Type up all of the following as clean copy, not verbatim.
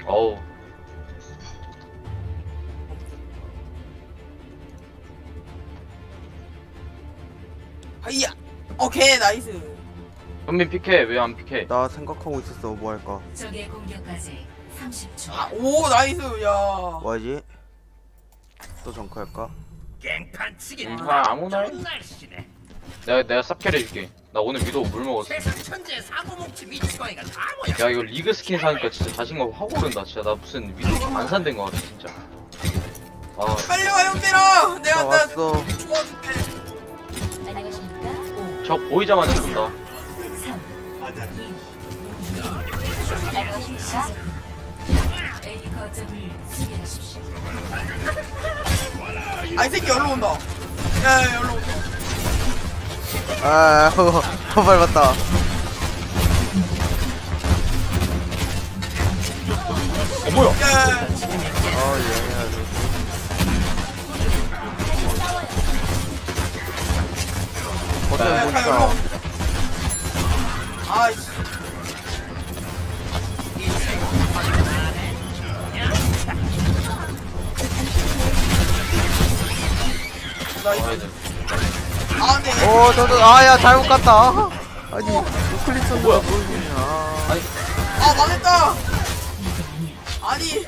어우. 하이야. 오케이 나이스. 현민 피케 왜 안 피케? 나 생각하고 있었어. 뭐 할까? 적의 공격까지 30초. 오 나이스 야. 뭐 하지? 또 정크 할까? 깽판 치기 아무나 해. 좋은 날씨네. 내가 쌉캐를 해줄게. 나 오늘 위도 물 먹었어. 세상 천재 사고뭉치 미치광이가 다 모여. 야 이거 리그 스킨 사니까 진짜 자신감 확 오른다. 진짜 나 무슨 위도 안 산된 거 같아 진짜. 아 빨리 와 형들아. 나 내가 왔어. 도와줄게. 안녕하십니까? 5, 저 보이자마자 죽는다. 3, 2, 안녕하십니까? A 거점을 수비하십시오. 아이 새끼 열로 온다. 야 열로 온다. 아, 더 밟았다. 뭐야? 야. 예, 해야지. 거점 야, 보니까. 열로 온다. 아이씨. 나이스. 아 네. 야, 잘못 갔다. 아니, 우클릭 썼는데 뭘 보냐. 아 망했다. 아니.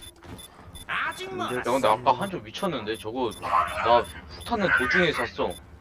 아직 뭐 야 근데 아까 한줄 미쳤는데 저거 나 후타는 도중에 샀어.